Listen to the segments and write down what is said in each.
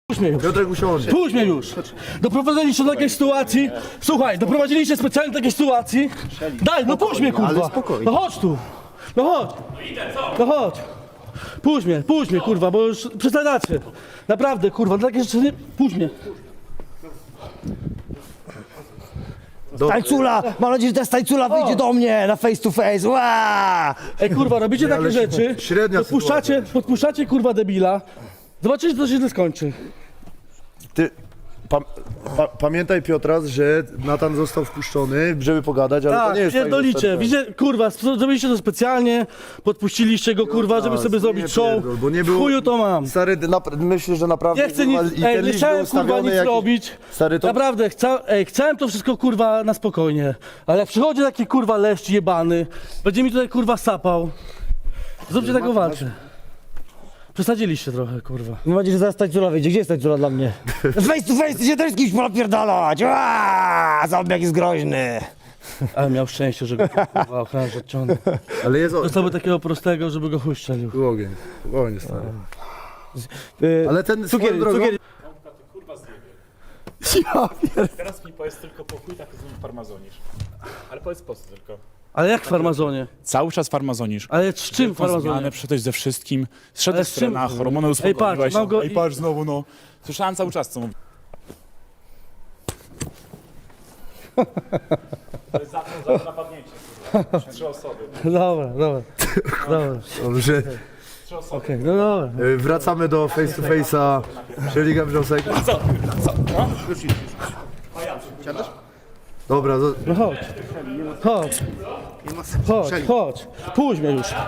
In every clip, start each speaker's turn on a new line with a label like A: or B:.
A: Puść mnie już.
B: Piotrek, usiądzie.
A: Puść mnie już. Doprowadziliście do takiej sytuacji. Słuchaj, doprowadziliście specjalnie do takiej sytuacji. Daj, no puść mnie, kurwa.
B: ale spokojnie.
A: No chodź tu. No chodź. No chodź. Puść mnie, kurwa, bo już przesadacie. Naprawdę, kurwa, takie rzeczy nie... Puść mnie.
C: Tańcula! Mam nadzieję, że ta tańcula wyjdzie do mnie na face to face. Ła!
A: Ej, kurwa, robicie takie
B: ale
A: rzeczy.
B: średnia
A: Podpuszczacie, kurwa, debila. Zobaczycie, co się źle skończy.
B: Ty, pamiętaj, Piotras, że Natan został wpuszczony, żeby pogadać, ale to
A: Tak,
B: nie jest
A: pierdolicie.
B: tak, że...
A: Widzicie, kurwa, zrobiliście to specjalnie, podpuściliście go, kurwa, żeby sobie zrobić show.
B: pierdol, bo nie było...
A: Chuju to mam.
B: Stary, myślę, że naprawdę...
A: Nie chcę nic,
B: i ten
A: nie
B: list
A: chciałem,
B: był
A: kurwa,
B: ustawiony
A: nic
B: jakiś-
A: robić.
B: Stary, to...
A: Naprawdę, chciałem to wszystko, kurwa, na spokojnie. Ale jak przychodzi taki, kurwa, leszcz jebany, będzie mi tutaj, kurwa, sapał. Zróbcie taką walkę. Przesadziliście trochę, kurwa.
C: Mam nadzieję, że zaraz tańcula wyjdzie. Gdzie jest tańcula dla mnie? Face to face się też z kimś napierdalać. Ła! Zombie jest groźny.
A: Ale miał szczęście, że go, kurwa, ochroniarz odciągnął.
B: Ale jest...
A: Dostałby takiego prostego, żeby go chuj strzelił.
B: Ogień, stary. Ale ten
C: Cukier,
B: swoją drogą...
C: cukier.
D: Teraz mi powiedz tylko pokój, tak znów farmazonisz. Ale powiedz po co tylko.
A: Ale jak w farmazonie?
D: Cały czas farmazonisz.
A: Ale z czym w farmazonie?
D: Zmianę, przyszedłeś ze wszystkim,
A: Ale
D: zszedłeś
A: z
D: z
A: czym?
D: trenach, hormony
A: Ej,
D: uspokoiłeś.
A: patrz, mam go
D: I patrz znowu, no. Słyszałem cały czas, co mówisz. To jest za napadnięcie, kurwa. 3 osoby.
A: Dobra.
B: Dobrze.
A: Okej, no dobra.
B: Wracamy do face to face'a, czyli Gawrzosek. Dobra,
A: No chodź. Chodź. Puść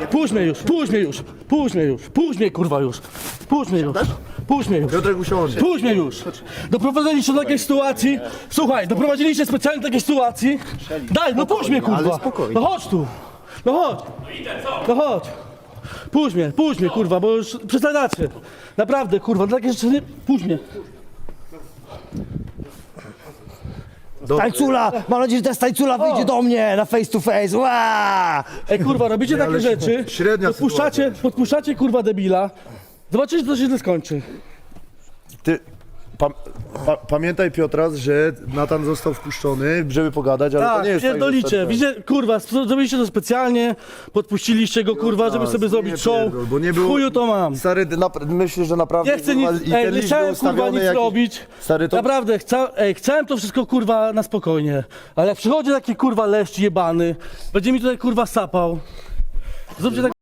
A: mnie, kurwa, już. Puść mnie już.
B: Piotrek, usiądzie.
A: Puść mnie już. Doprowadziliście do takiej sytuacji. Słuchaj, doprowadziliście specjalnie do takiej sytuacji. Daj, no puść mnie, kurwa.
B: ale spokojnie.
A: No chodź tu. No chodź. No chodź. Puść mnie, kurwa, bo już przesadacie. Naprawdę, kurwa, takie rzeczy nie... Puść mnie.
C: Tańcula! Mam nadzieję, że ta tańcula wyjdzie do mnie na face to face. Ła!
A: Ej, kurwa, robicie takie
B: ale
A: rzeczy.
B: średnia
A: Podpuszczacie, kurwa, debila. Zobaczycie, co się źle skończy.
B: Ty, pamiętaj, Piotras, że Natan został wpuszczony, żeby pogadać, ale to
A: Tak,
B: nie jest
A: pierdolicie.
B: tak, że...
A: Widzicie, kurwa, zrobiliście to specjalnie, podpuściliście go, kurwa, żeby sobie zrobić show.
B: pierdol, bo nie było...
A: Chuju to mam.
B: Stary, myślę, że naprawdę...
A: Nie chcę nic,
B: i ten
A: nie
B: list
A: chciałem,
B: był
A: kurwa,
B: ustawiony
A: nic
B: jakiś-
A: robić.
B: Stary, to...
A: Naprawdę, chciałem to wszystko, kurwa, na spokojnie. Ale jak przychodzi taki, kurwa, leszcz jebany, będzie mi tutaj, kurwa, sapał. Zróbcie tak.